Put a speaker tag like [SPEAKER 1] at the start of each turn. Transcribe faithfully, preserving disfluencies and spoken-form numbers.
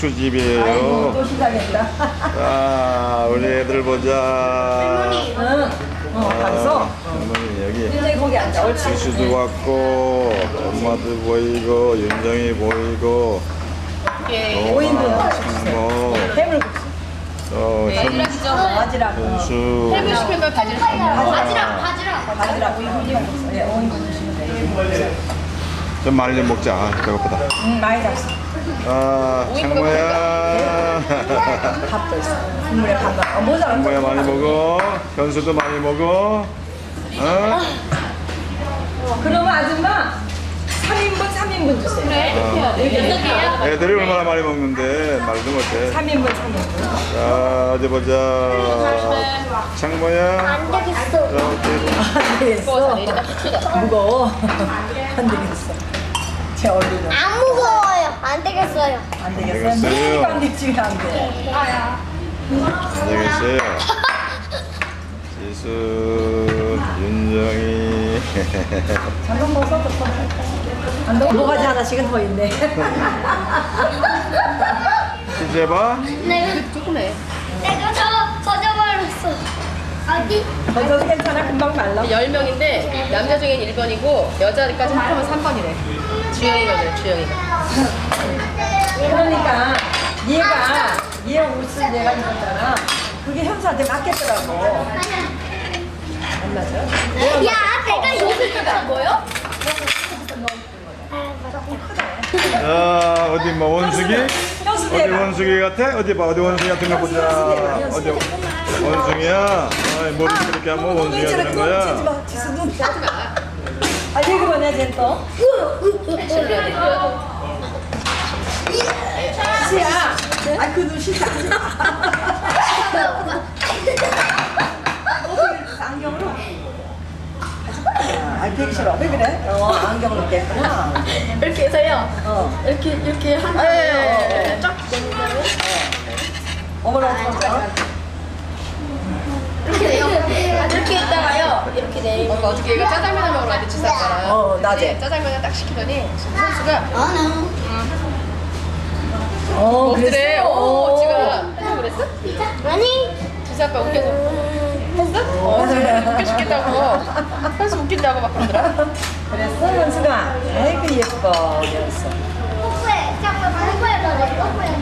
[SPEAKER 1] 집이에요.
[SPEAKER 2] 또 시작했다.
[SPEAKER 1] 아, 우리 애들 보자.
[SPEAKER 2] 할머니. 응. 어, 가서.
[SPEAKER 1] 할머니 여기.
[SPEAKER 2] 윤정이 거기 앉아. 옳지.
[SPEAKER 1] 지수도 왔고, 엄마도 보이고, 윤정이 보이고.
[SPEAKER 3] 예.
[SPEAKER 2] 오인분
[SPEAKER 1] 뭐,
[SPEAKER 2] 해물국수.
[SPEAKER 1] 또 현,
[SPEAKER 3] 바지락이죠.
[SPEAKER 2] 바지락. 어.
[SPEAKER 1] 현수.
[SPEAKER 3] 해물 시킨 걸 바지락.
[SPEAKER 2] 바지락. 바지락. 바지락. 오인분. 예, 오인분 주시면 돼요.
[SPEAKER 1] 좀 많이 좀 먹자. 아, 배고프다.
[SPEAKER 2] 응, 많이 잡수.
[SPEAKER 1] 아, 창모야.
[SPEAKER 2] 밥도 있어. 국물에 밥만. 어, 모자라.
[SPEAKER 1] 창모야 많이 먹어. 현수도 많이 먹어. 어?
[SPEAKER 2] 그러면 아줌마 삼 인분 삼 인분 주세요.
[SPEAKER 3] 그래, 이렇게 해야 돼. 여섯 개야?
[SPEAKER 1] 애들이 얼마나 많이 먹는데 말도 못해.
[SPEAKER 2] 삼 인분 삼 인분.
[SPEAKER 1] 자, 어디 보자. 창모야.
[SPEAKER 4] 안 되겠어.
[SPEAKER 1] 이렇게.
[SPEAKER 2] 안
[SPEAKER 3] 무거워서
[SPEAKER 2] 되겠어.
[SPEAKER 3] 내리다 후추다.
[SPEAKER 2] 무거워. 안 되겠어. 제 얼굴은.
[SPEAKER 4] 안 무거워요. 안 되겠어요.
[SPEAKER 2] 안 되겠어요.
[SPEAKER 1] 되겠어요.
[SPEAKER 2] 매일 안 되지 안 돼.
[SPEAKER 1] 안 되겠어요. 지수, 윤정이.
[SPEAKER 2] 잠깐 벗어도 안 돼. 뭐가지 하나씩은 더 있네.
[SPEAKER 1] 이제 봐.
[SPEAKER 4] 내가
[SPEAKER 3] 조금해.
[SPEAKER 4] 내가 저 젖어버렸어. 어디?
[SPEAKER 2] 벗어도 괜찮아. 금방 말라.
[SPEAKER 3] 열 명인데 남자 중엔 일 번이고 여자까지 합하면 삼 번이래. 주영이가 그래, 주영이가.
[SPEAKER 2] 그러니까 얘가 얘 옷을 얘가 입었잖아. 그게 현수한테 맞겠더라고. 안 맞아?
[SPEAKER 4] 야, 내가 옷을 입은 거요?
[SPEAKER 1] 자, 어디 뭐 원숭이?
[SPEAKER 2] 현수
[SPEAKER 1] 어디
[SPEAKER 2] 대가.
[SPEAKER 1] 원숭이 같아? 어디 봐, 어디 원숭이 같은 거 보자. 어디 원숭이야? 아이, 머리 이렇게 하면 원숭이가 되는 거야.
[SPEAKER 2] 지수 눈. 아, 왜 그러냐, 쟤 또? 지수야. 아, 그 눈 싫다. 안경으로? 아, 되게 싫어. 왜 그래? 어, 안경으로 깼구나.
[SPEAKER 3] 이렇게 해서요.
[SPEAKER 2] 어.
[SPEAKER 3] 이렇게 이렇게 한
[SPEAKER 2] 예, 예,
[SPEAKER 3] 다음에
[SPEAKER 2] 예.
[SPEAKER 3] 쫙 내는 다음에
[SPEAKER 2] 어머나, 어머나.
[SPEAKER 3] 이렇게 돼요. 이렇게 했다가요. 이렇게 내. 어, 어저께 얘가 짜장면을 먹으러 갔는데 지사과랑.
[SPEAKER 2] 어, 낮에.
[SPEAKER 3] 짜장면을 딱 시키더니 선수가
[SPEAKER 2] 어,
[SPEAKER 3] 먹더래.
[SPEAKER 2] 그랬어?
[SPEAKER 3] 오, 지가 해서 그랬어?
[SPEAKER 4] 아니.
[SPEAKER 3] 지사과 웃겨서 했어? 어, 지금 웃겨 죽겠다고. 현수 웃긴다고 막 그러더라.
[SPEAKER 2] 그랬어, 현수가? 아이고, 예뻐. 그랬어.
[SPEAKER 4] 뽀뽀해. 잠깐 뽀뽀해. 뽀뽀해.